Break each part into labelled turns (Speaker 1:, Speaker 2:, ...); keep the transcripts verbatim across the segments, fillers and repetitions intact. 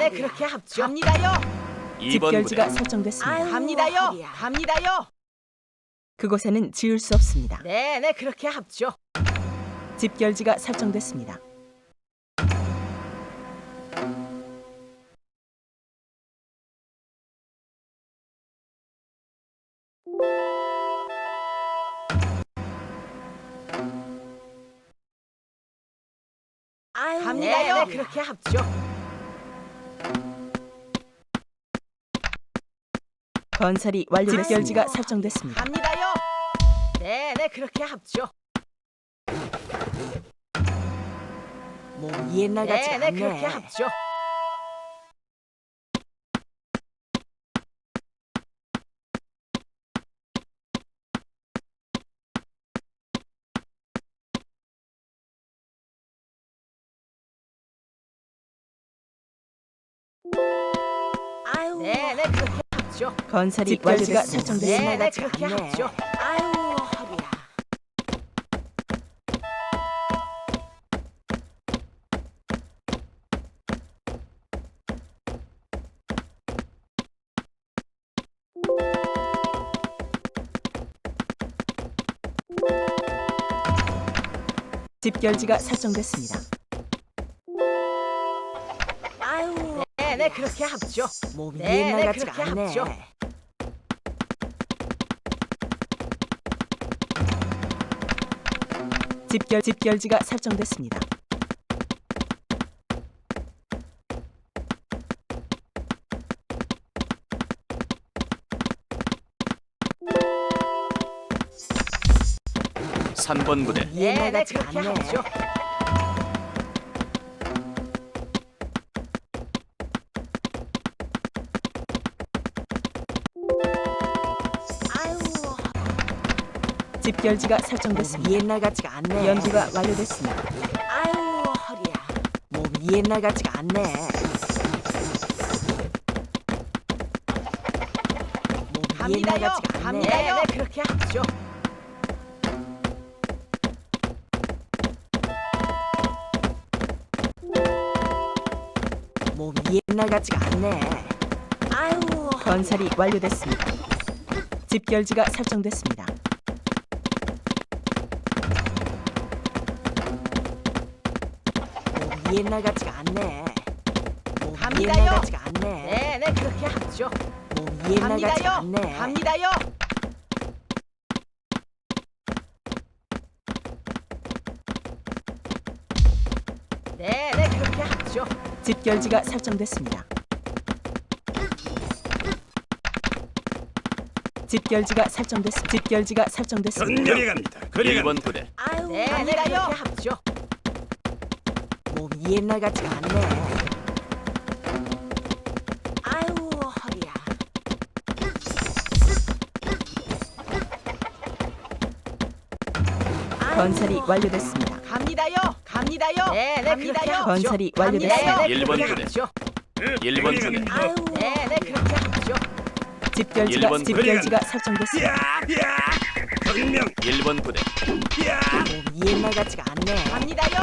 Speaker 1: 네네 그렇게 합죠. 갑니다요.
Speaker 2: 이 번 부대
Speaker 3: 집결지가 설정됐습니다.
Speaker 1: 아유, 갑니다요.
Speaker 4: 허리야.
Speaker 1: 갑니다요.
Speaker 3: 그곳에는 지을 수 없습니다.
Speaker 1: 네네 그렇게 합죠.
Speaker 3: 집결지가 설정됐습니다.
Speaker 4: 아유,
Speaker 1: 갑니다요.
Speaker 4: 허리야.
Speaker 1: 네네 그렇게 합죠.
Speaker 3: 건설이 완료됐습니다. 집결지가 설정됐습니다.
Speaker 1: 갑니다요. 네네 그렇게 합죠.
Speaker 4: 몸이 옛날 같지가
Speaker 1: 네네
Speaker 4: 않네.
Speaker 1: 그렇게 합죠.
Speaker 4: 아유,
Speaker 1: 네네 그렇게 합죠.
Speaker 3: 건설이 집결지가 완료됐습니다. 설정됐습니다.
Speaker 1: 네네 그렇게
Speaker 4: 않네.
Speaker 1: 합죠.
Speaker 4: 아유, 허리야.
Speaker 3: 집결지가 설정됐습니다.
Speaker 4: 아유,
Speaker 1: 네네 그렇게 합죠.
Speaker 4: 몸이
Speaker 1: 네네
Speaker 4: 옛날 같지가
Speaker 1: 그렇게
Speaker 4: 않네.
Speaker 1: 합죠.
Speaker 3: 집결 집결지가 설정됐습니다.
Speaker 2: 삼 번 부대
Speaker 4: 옛날
Speaker 1: 네네
Speaker 4: 같지가
Speaker 1: 그렇게
Speaker 4: 않네.
Speaker 1: 합죠.
Speaker 4: 아유,
Speaker 3: 집결지가
Speaker 4: 몸이
Speaker 3: 설정됐습니다.
Speaker 4: 옛날 같지가 않네.
Speaker 3: 연구가 완료됐습니다.
Speaker 4: 아유, 허리야. 몸이 옛날 같지가 않네. 몸이 옛날
Speaker 1: 갑니다요.
Speaker 4: 같지가 않네.
Speaker 1: 갑니다요. 네네 그렇게 합죠.
Speaker 4: 몸이 옛날 같지가 않네. 아유, 허리야.
Speaker 3: 건설이 완료됐습니다. 집결지가 설정됐습니다.
Speaker 4: 몸이 옛날 같지가 않네. 몸이
Speaker 1: 갑니다요.
Speaker 4: 옛날 같지가 않네.
Speaker 1: 네네 그렇게 합죠.
Speaker 4: 몸이 옛날 같지가
Speaker 1: 갑니다요.
Speaker 4: 않네.
Speaker 1: 갑니다요. 네네 그렇게 합죠.
Speaker 3: 집결지가 설정됐습니다. 집결지가 설정됐습니다. 집결지가 설정됐습니다.
Speaker 5: 그리 갑니다. 그리
Speaker 2: 일 번
Speaker 5: 갑니다.
Speaker 2: 부대
Speaker 4: 아유,
Speaker 1: 네네
Speaker 4: 갑니다요.
Speaker 1: 그렇게 합죠.
Speaker 4: 몸이 옛날 같지가 않네. 아유, 허리야. 아유,
Speaker 3: 건설이 완료됐습니다.
Speaker 1: 갑니다요. 갑니다요. 네네
Speaker 4: 갑니다요.
Speaker 1: 그렇게 합죠.
Speaker 3: 건설이 완료됐습니다.
Speaker 1: 네네
Speaker 2: 일 번
Speaker 1: 그렇게
Speaker 2: 부대.
Speaker 1: 합죠.
Speaker 2: 일 번 부대
Speaker 4: 아유,
Speaker 1: 네네 그렇게 합죠.
Speaker 3: 집결지가
Speaker 2: 일 번
Speaker 3: 집결지가 설정됐습니다.
Speaker 5: 야, 야, 정명,
Speaker 2: 일 번 부대
Speaker 5: 야,
Speaker 4: 몸이 옛날 같지가 않네.
Speaker 1: 갑니다요.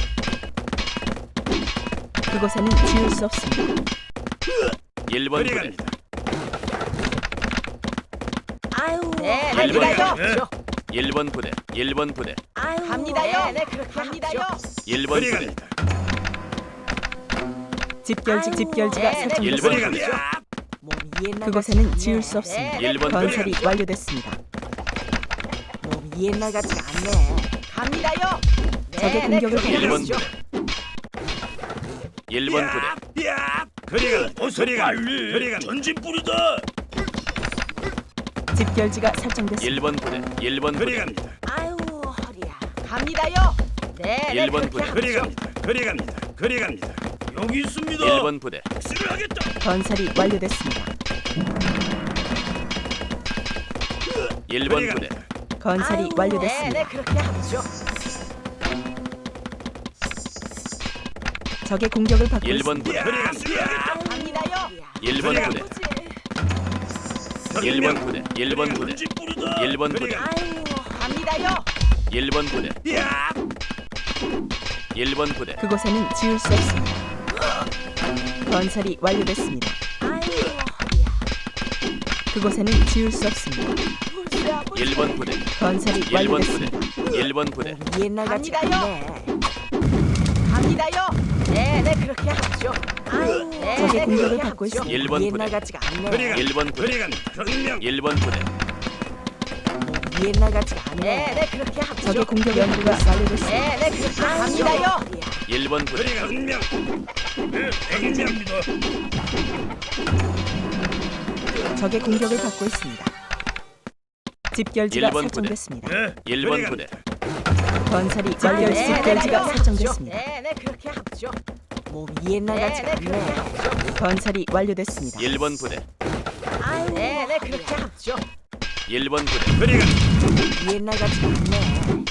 Speaker 3: 그곳에는 지을 수 없습니다.
Speaker 2: 일 번
Speaker 5: 그리
Speaker 2: 부대
Speaker 5: 갑니다.
Speaker 4: 아유,
Speaker 1: 네네
Speaker 2: 일 번
Speaker 1: 그렇게
Speaker 2: 부대.
Speaker 1: 합죠.
Speaker 2: 일 번 부대 일 번 부대
Speaker 4: 아유,
Speaker 1: 갑니다요. 네네 그렇게 합니다요.
Speaker 2: 일 번
Speaker 5: 그리
Speaker 2: 부대
Speaker 5: 갑니다.
Speaker 3: 집결지
Speaker 4: 아유,
Speaker 3: 집결지가
Speaker 1: 네, 네,
Speaker 2: 일 번
Speaker 3: 설정됐습니다.
Speaker 5: 그리
Speaker 2: 부대
Speaker 5: 갑니다.
Speaker 4: 몸이 옛날
Speaker 3: 그곳에는
Speaker 4: 같지가
Speaker 3: 지을
Speaker 4: 않네.
Speaker 3: 수 없습니다.
Speaker 1: 네,
Speaker 2: 일 번
Speaker 3: 건설이
Speaker 2: 부대
Speaker 3: 완료됐습니다.
Speaker 4: 몸이 옛날 같지가 않네.
Speaker 1: 갑니다요.
Speaker 3: 적의
Speaker 1: 네네
Speaker 3: 공격을
Speaker 1: 그렇게
Speaker 2: 일 번
Speaker 1: 합죠.
Speaker 2: 부대 일 번 부대
Speaker 5: 야, 야, 그리 갑니다. 어서 빨리. 그리 갑니다. 전진 뿌리다.
Speaker 3: 집결지가 설정됐습니다.
Speaker 2: 일 번 부대 일 번
Speaker 5: 그리
Speaker 2: 부대
Speaker 5: 갑니다.
Speaker 4: 아유, 허리야.
Speaker 1: 갑니다요. 네네
Speaker 2: 일 번
Speaker 1: 그렇게
Speaker 2: 부대.
Speaker 5: 그리
Speaker 1: 합죠.
Speaker 5: 갑니다. 그리 갑니다. 그리 갑니다. 여기 있습니다.
Speaker 2: 일 번 부대
Speaker 5: 수를 하겠다.
Speaker 3: 건설이 완료됐습니다.
Speaker 2: 일 번
Speaker 5: 그리
Speaker 2: 부대
Speaker 5: 갑니다.
Speaker 3: 건설이
Speaker 4: 아유,
Speaker 1: 네네
Speaker 3: 완료됐습니다.
Speaker 1: 그렇게 합죠.
Speaker 3: 적의 공격을 받고
Speaker 2: 일 번
Speaker 3: 있습니다.
Speaker 2: 부대
Speaker 5: 그리 갑니다.
Speaker 1: 갑니다요.
Speaker 2: 일 번 부대 일 번 부대 일 번 부대
Speaker 5: 전진 뿌리다.
Speaker 2: 일 번
Speaker 5: 그리
Speaker 2: 부대
Speaker 5: 갑니다.
Speaker 4: 아유,
Speaker 1: 갑니다요.
Speaker 2: 일 번 부대
Speaker 5: 야,
Speaker 2: 일 번 부대
Speaker 3: 그곳에는 지을 수 없습니다. 건설이 완료됐습니다.
Speaker 4: 아이고 허리야.
Speaker 3: 그곳에는 지을 수 없습니다.
Speaker 2: 일 번 부대
Speaker 3: 건설이
Speaker 2: 일 번 부대
Speaker 3: 완료됐습니다.
Speaker 2: 일 번 부대
Speaker 4: 몸이 옛날 같지가
Speaker 1: 갑니다요.
Speaker 4: 않네.
Speaker 1: 갑니다요. 네네 그렇게 하죠.
Speaker 4: 아이고
Speaker 1: 네,
Speaker 3: 적의
Speaker 1: 네,
Speaker 3: 공격을
Speaker 1: 그렇게
Speaker 3: 받고
Speaker 1: 하죠.
Speaker 3: 있습니다.
Speaker 2: 일 번
Speaker 4: 옛날
Speaker 2: 부대
Speaker 4: 같지가 않네.
Speaker 5: 그리간
Speaker 2: 일 번 부대
Speaker 5: 그리간 전명
Speaker 2: 일 번 부대
Speaker 4: 몸이 옛날 같지가 않네.
Speaker 1: 네네 그렇게 하죠.
Speaker 3: 적의 공격 연구가 완료됐습니다.
Speaker 1: 네네 그렇게
Speaker 4: 아이고,
Speaker 1: 갑니다요.
Speaker 4: 허리야.
Speaker 2: 일 번 부대
Speaker 5: 그리간 전명 네 대기 중입니다.
Speaker 3: 적의 공격을 받고 있습니다. 집결지가
Speaker 2: 일 번 부대.
Speaker 3: 설정됐습니다.
Speaker 5: 네
Speaker 2: 일 번
Speaker 5: 그리간
Speaker 2: 부대
Speaker 3: 건설이
Speaker 1: 자,
Speaker 3: 완료.
Speaker 1: 네네
Speaker 3: 집결지가
Speaker 1: 그렇게
Speaker 3: 설정됐습니다.
Speaker 1: 하죠. 네네 그렇게 하죠.
Speaker 4: 몸이 옛날 같지가
Speaker 1: 네네 그렇게
Speaker 4: 않네.
Speaker 1: 하죠.
Speaker 3: 건설이 완료됐습니다.
Speaker 2: 일 번 부대
Speaker 4: 아이고
Speaker 1: 네네 그렇게
Speaker 4: 허리야.
Speaker 1: 하죠.
Speaker 2: 일 번 부대
Speaker 5: 그리간
Speaker 4: 옛날 같지가 않네.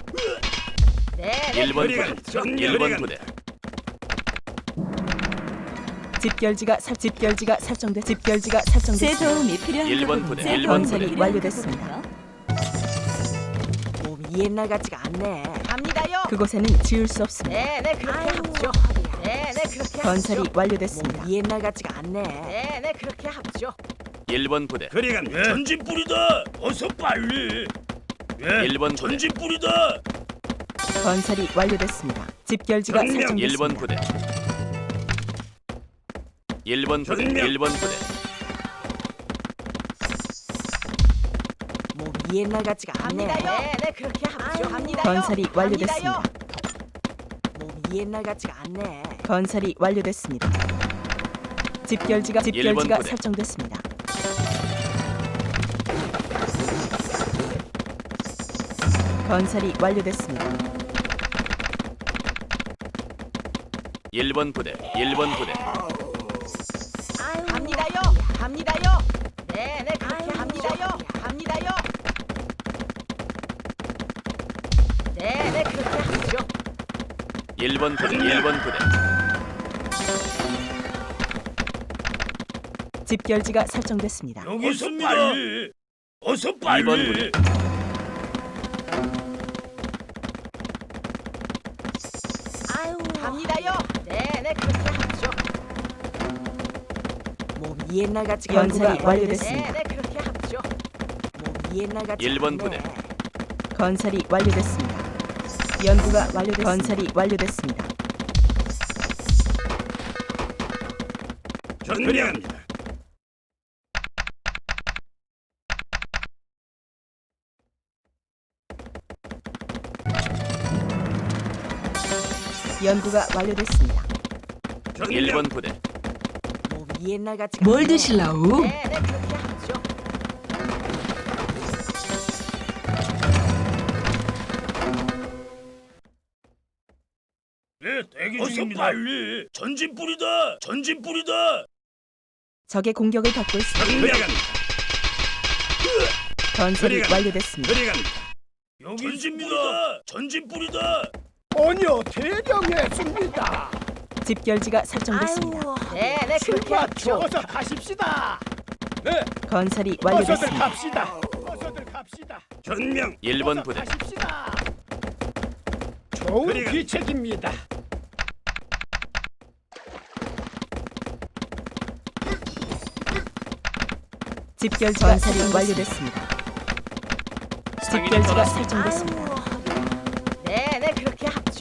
Speaker 1: 네네
Speaker 2: 일 번
Speaker 5: 그리간
Speaker 2: 부대
Speaker 5: 전명
Speaker 2: 일 번
Speaker 5: 그리간
Speaker 2: 부대
Speaker 3: 집결지가 설 집결지가 설정돼 집결지가 설정됐습니다.
Speaker 6: 도움이 필요한
Speaker 2: 일 번 부대 일 번
Speaker 3: 건설이
Speaker 2: 부대
Speaker 3: 완료됐습니다.
Speaker 4: 몸이 옛날 같지가 않네.
Speaker 1: 갑니다요.
Speaker 3: 그곳에는 지을 수 없습니다.
Speaker 1: 네네 그렇게
Speaker 4: 아이고
Speaker 1: 하죠.
Speaker 4: 허리야.
Speaker 1: 네네 그렇게
Speaker 3: 건설이
Speaker 1: 하죠.
Speaker 3: 완료됐습니다.
Speaker 4: 몸이 옛날 같지가 않네.
Speaker 1: 네네 그렇게 하죠.
Speaker 2: 일 번 부대
Speaker 5: 그리간 전진 뿌리다. 어서 빨리. 예
Speaker 2: 일 번 부대
Speaker 5: 전진 뿌리다.
Speaker 3: 건설이 완료됐습니다. 집결지가
Speaker 5: 전명.
Speaker 3: 설정됐습니다.
Speaker 2: 일 번 부대 일 번 부대
Speaker 5: 전명.
Speaker 2: 일 번 부대
Speaker 4: 몸이 옛날 같지가 않네.
Speaker 1: 갑니다요. 네네 그렇게 하죠.
Speaker 4: 아이고,
Speaker 1: 갑니다요.
Speaker 3: 건설이 완료됐습니다.
Speaker 1: 갑니다요.
Speaker 4: 몸이 옛날 같지가 않네.
Speaker 3: 건설이 완료됐습니다. 집결지가
Speaker 2: 일 번
Speaker 3: 집결지가
Speaker 2: 부대.
Speaker 3: 설정됐습니다. 건설이 완료됐습니다.
Speaker 2: 일 번 부대 일 번 부대
Speaker 4: 아이고
Speaker 1: 갑니다요.
Speaker 4: 허리야.
Speaker 1: 갑니다요. 네네 그렇게
Speaker 4: 아이고,
Speaker 1: 합니다요.
Speaker 4: 허리야.
Speaker 1: 갑니다요. 네네 그렇게 하죠.
Speaker 2: 일 번 부대 일 번 부대
Speaker 3: 집결지가 설정됐습니다.
Speaker 5: 여기 있습니다. 빨리. 어서 빨리.
Speaker 2: 이 번 부대
Speaker 4: 아이고
Speaker 1: 갑니다요. 네네 그렇게 하죠.
Speaker 4: 몸이 옛날 같지가
Speaker 3: 연구가
Speaker 4: 않네.
Speaker 3: 완료됐습니다.
Speaker 1: 네네 그렇게 하죠.
Speaker 4: 몸이 옛날 같지가
Speaker 2: 일 번
Speaker 4: 않네.
Speaker 2: 부대.
Speaker 3: 건설이 완료됐습니다. 연구가 완료됐습니다. 건설이 완료됐습니다.
Speaker 5: 전명합니다.
Speaker 3: 연구가 완료됐습니다.
Speaker 2: 일 번 부대
Speaker 4: 몸이 옛날 같지가
Speaker 6: 뭘
Speaker 4: 않네.
Speaker 6: 드실라우?
Speaker 1: 네네 그렇게 하죠.
Speaker 5: 네 대기 중입니다. 어서 빨리. 전진 뿌리다. 전진 뿌리다.
Speaker 3: 적의 공격을 받고 있습니다.
Speaker 5: 전명합니다.
Speaker 3: 건설이
Speaker 5: 그리간.
Speaker 3: 완료됐습니다.
Speaker 5: 그리갑니다. 여기 있습니다. 전진 뿌리다.
Speaker 7: 전혀 대령했습니다.
Speaker 3: 집결지가 설정됐습니다.
Speaker 4: 아이고
Speaker 1: 네네 그렇게
Speaker 7: 출마
Speaker 1: 하죠.
Speaker 7: 어서 가십시다. 네,
Speaker 3: 건설이
Speaker 7: 어서들
Speaker 3: 완료됐습니다.
Speaker 7: 갑시다. 어서들 갑시다.
Speaker 5: 전명.
Speaker 2: 일 번
Speaker 7: 어서
Speaker 2: 부대
Speaker 7: 가십시다. 좋은
Speaker 5: 그리간.
Speaker 7: 귀책입니다.
Speaker 3: 집결지가 건설이 완료됐습니다.
Speaker 2: 상인이
Speaker 3: 집결지가
Speaker 2: 떠났습니다.
Speaker 3: 설정됐습니다.
Speaker 4: 아이고 허리야.
Speaker 1: 네네 그렇게 하죠.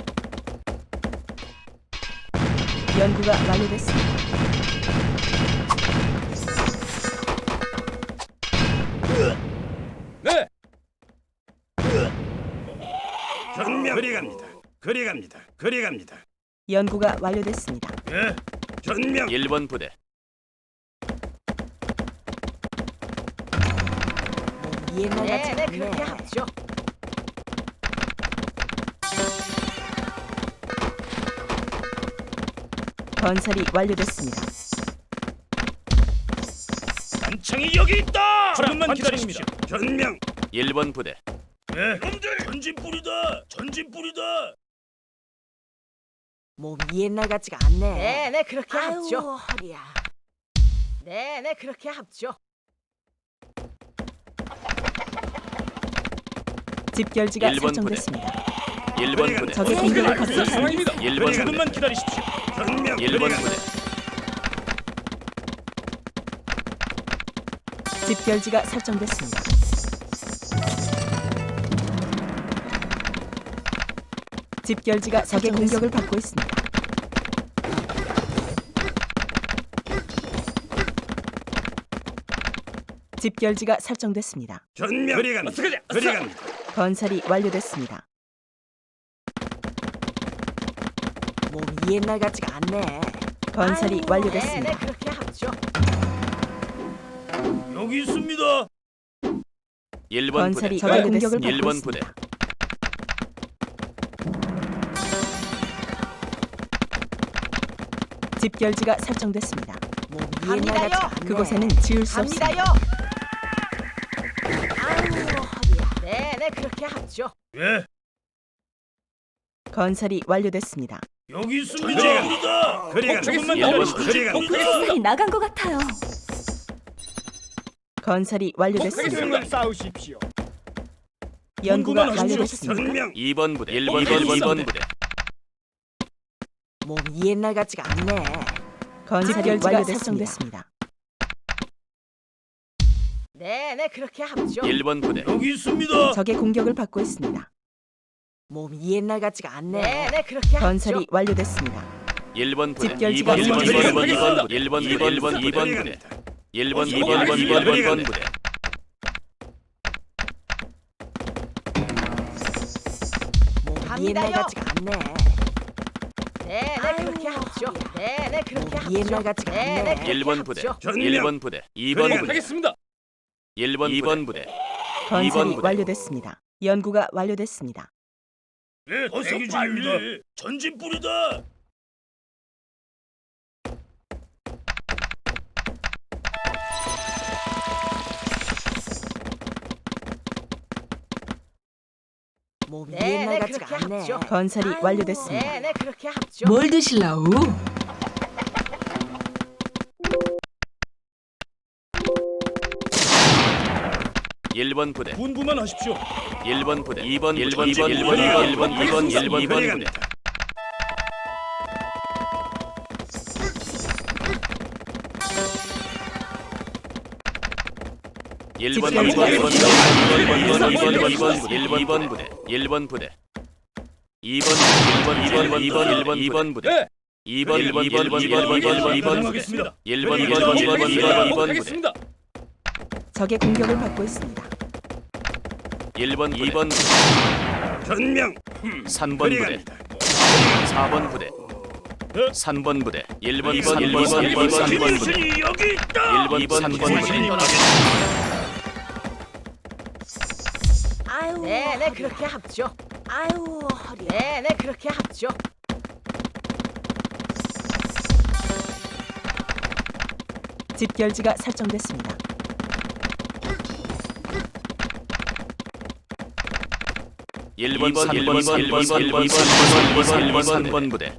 Speaker 3: 연구가 완료됐습니다.
Speaker 7: 네,
Speaker 5: 전명. 그리갑니다. 그리갑니다. 그리갑니다.
Speaker 3: 연구가 완료됐습니다.
Speaker 5: 예. 전명.
Speaker 2: 일 번 부대
Speaker 4: 몸이 옛날 같지가
Speaker 1: 네네
Speaker 4: 않네.
Speaker 1: 그렇게 하죠.
Speaker 3: 건설이 완료됐습니다.
Speaker 5: 단창이 여기 있다.
Speaker 7: 조금만 기다리십시오.
Speaker 5: 전명.
Speaker 2: 일 번 부대
Speaker 5: 예. 놈들 전진 뿌리다. 전진 뿌리다.
Speaker 4: 몸이 옛날 같지가 않네.
Speaker 1: 네네 그렇게
Speaker 4: 아이고
Speaker 1: 하죠.
Speaker 4: 허리야.
Speaker 1: 네네 그렇게 하죠.
Speaker 3: 집결지가
Speaker 2: 일 번 부대.
Speaker 3: 설정됐습니다.
Speaker 2: 일 번 부대
Speaker 3: 적의 공격을 받고 있습니다.
Speaker 7: 상황입니다.
Speaker 2: 일 번 부대
Speaker 5: 기다리십시오. 전명.
Speaker 2: 일 번
Speaker 5: 그리갑니다.
Speaker 2: 부대
Speaker 3: 집결지가 설정됐습니다. 집결지가 적의 공격을 받고 있습니다. 집결지가 설정됐습니다.
Speaker 5: 전명 그리 갑니다. 그리 갑니다.
Speaker 3: 건설이 완료됐습니다.
Speaker 4: 몸이 옛날 같지가 않네.
Speaker 3: 건설이
Speaker 1: 네네
Speaker 3: 완료됐습니다.
Speaker 1: 그렇게 합죠.
Speaker 5: 여기 있습니다.
Speaker 2: 일 번 부대
Speaker 3: 건설이 적의 공격을
Speaker 2: 일
Speaker 3: 받고
Speaker 2: 번 부대
Speaker 3: 있습니다. 집결지가 설정됐습니다.
Speaker 4: 몸이
Speaker 1: 갑니다요.
Speaker 4: 옛날 같지가 않네.
Speaker 3: 그곳에는 지을 수 없습니다.
Speaker 1: 갑니다요. 아유 허리야. 네네 그렇게 합죠.
Speaker 5: 예,
Speaker 3: 건설이 완료됐습니다.
Speaker 5: 여기 있습니다. 전진입니다. 그리 갑니다.
Speaker 2: 일 번 부대
Speaker 5: 그리 갑니다.
Speaker 6: 세상이 나간 것 같아요.
Speaker 3: 건설이 완료됐습니다.
Speaker 7: 목표를 싸우십시오.
Speaker 3: 연구가
Speaker 5: 공부만 하십시오.
Speaker 3: 완료됐습니다.
Speaker 5: 전명
Speaker 2: 이 번 부대 일 번
Speaker 5: 일 번
Speaker 2: 이 번
Speaker 5: 부대.
Speaker 2: 부대
Speaker 4: 몸이 옛날 같지가 않네.
Speaker 3: 건설이
Speaker 1: 집결지가
Speaker 3: 완료됐습니다.
Speaker 1: 설정됐습니다. 네네 그렇게 합죠.
Speaker 2: 일 번 부대
Speaker 5: 여기 있습니다.
Speaker 3: 적의 공격을 받고 있습니다.
Speaker 4: 몸이 옛날 같지가 않네.
Speaker 1: 네네 그렇게 합죠.
Speaker 3: 건설이 완료됐습니다.
Speaker 2: 일 번 부대
Speaker 3: 집결지가
Speaker 2: 이 번 이 번 이 번 이 번
Speaker 5: 설정됐습니다.
Speaker 2: 일 번 이 번 이 번 이 번
Speaker 5: 그리
Speaker 2: 부대
Speaker 5: 갑니다.
Speaker 2: 일 번 이
Speaker 5: 어서
Speaker 2: 번 이 번 이 번 이 번
Speaker 5: 갑니다.
Speaker 2: 부대
Speaker 4: 몸이 옛날
Speaker 1: 갑니다요.
Speaker 4: 같지가 않네.
Speaker 1: 네네 그렇게 합죠. 네네 그렇게
Speaker 4: 몸이
Speaker 1: 합죠.
Speaker 4: 옛날 같지가
Speaker 1: 네네
Speaker 4: 않네.
Speaker 1: 그렇게
Speaker 2: 일 번 부대
Speaker 1: 합죠.
Speaker 5: 전명.
Speaker 2: 일 번 부대 이 번
Speaker 5: 그리
Speaker 2: 부대
Speaker 7: 하겠습니다.
Speaker 2: 일 번 이 번 부대
Speaker 3: 건설이
Speaker 2: 부대.
Speaker 3: 완료됐습니다. 연구가 완료됐습니다.
Speaker 5: 예, 어서 빨리. 전진 뿌리다.
Speaker 4: 몸이
Speaker 1: 네네
Speaker 4: 옛날
Speaker 1: 그렇게
Speaker 4: 같지가 않네.
Speaker 1: 합죠.
Speaker 3: 건설이
Speaker 1: 아이고,
Speaker 3: 완료됐습니다.
Speaker 1: 네네 그렇게 합죠.
Speaker 6: 뭘 드실라우?
Speaker 2: 일 번 부대
Speaker 5: 분부만 하십시오.
Speaker 2: 일 번 부대 이 번 일 번 이
Speaker 5: 전진
Speaker 2: 번 일 번 이
Speaker 5: 뿌리다.
Speaker 2: 번 일 번 이 번 일 번 이 번
Speaker 5: 그리
Speaker 2: 부대
Speaker 5: 갑니다.
Speaker 2: 일 번 이
Speaker 3: 집결지가
Speaker 2: 번 이 번 이 번 이 번 이 번 이 번 일 번 이 번 부대 일 번 부대 이 번 일 번 이 번 이 번 이 번 이 번 부대
Speaker 7: 네.
Speaker 2: 이 번 일 번 이 번 이 번 이 번 이 번 이 번 부대
Speaker 5: 하겠습니다.
Speaker 2: 일 번 이 번 이 번 이 번 이 번 이 번 부대
Speaker 7: 하겠습니다.
Speaker 3: 적의 공격을 받고 있습니다.
Speaker 2: 일 번 이 번 부대
Speaker 5: 전명
Speaker 2: 삼 번
Speaker 5: 그리
Speaker 2: 부대
Speaker 5: 갑니다.
Speaker 2: 사 번 부대
Speaker 5: 네.
Speaker 2: 삼 번 부대 일 번 이 번 일 번
Speaker 5: 일
Speaker 2: 일 번 삼 번 부대
Speaker 5: 진이 여기 있다.
Speaker 2: 일 번 이 번 삼 번 부대
Speaker 4: 아유.
Speaker 1: 네네 그렇게 합죠.
Speaker 4: 아유 허리야.
Speaker 1: 네네 그렇게 합죠.
Speaker 3: 집결지가 설정됐습니다.
Speaker 2: 일 번 삼 번 일 번 일 번 일 번 일 번 일 번 일 번 삼 번 부대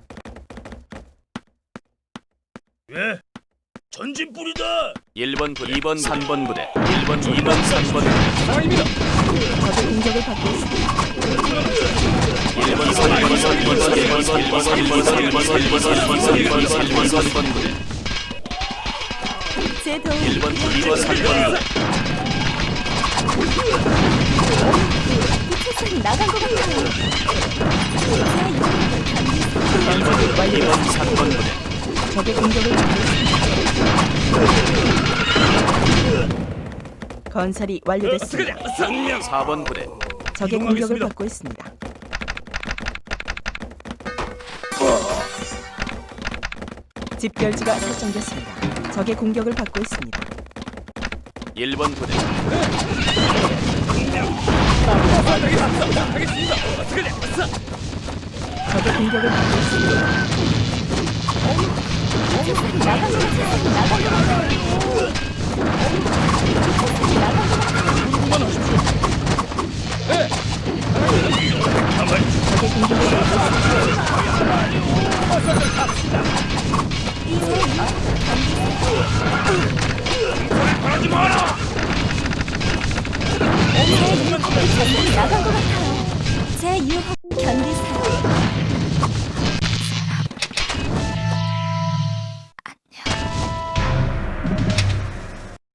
Speaker 5: 예, 전진 뿌리다.
Speaker 2: 일 번 부대 이 번 삼 번 부대 일 번 이 번 삼 번 부대
Speaker 7: 상황입니다.
Speaker 3: 적의 공격을 받고 있습니다.
Speaker 2: 일 번 삼 번 일 번 일 번 일 번 일 번 일 번 일 번 일 번 일 번 일 번 일 번 일 번 삼 번 부대
Speaker 6: 제 도움
Speaker 2: 일 번 이 번 삼 번 부대
Speaker 6: 세상이 나간 것 같아요.
Speaker 2: 일 번 이 번 삼 번 부대
Speaker 3: 적의 공격을 받고 있습니다. 건설이 완료됐습니다.
Speaker 5: 전명
Speaker 2: 사 번 부대
Speaker 3: 적의 공격을
Speaker 5: 이동하겠습니다.
Speaker 3: 받고 있습니다. 집결지가 설정됐습니다. 적의 공격을 받고 있습니다.
Speaker 2: 일 번 부대
Speaker 3: 적의 공격을 받고 있습니다.
Speaker 6: 나간 것 같아요. 나간 것 같아요.
Speaker 3: 적의 공격을 받고 있습니다.
Speaker 5: 하지 마라.
Speaker 6: 나간 것 같아요. 제 유혹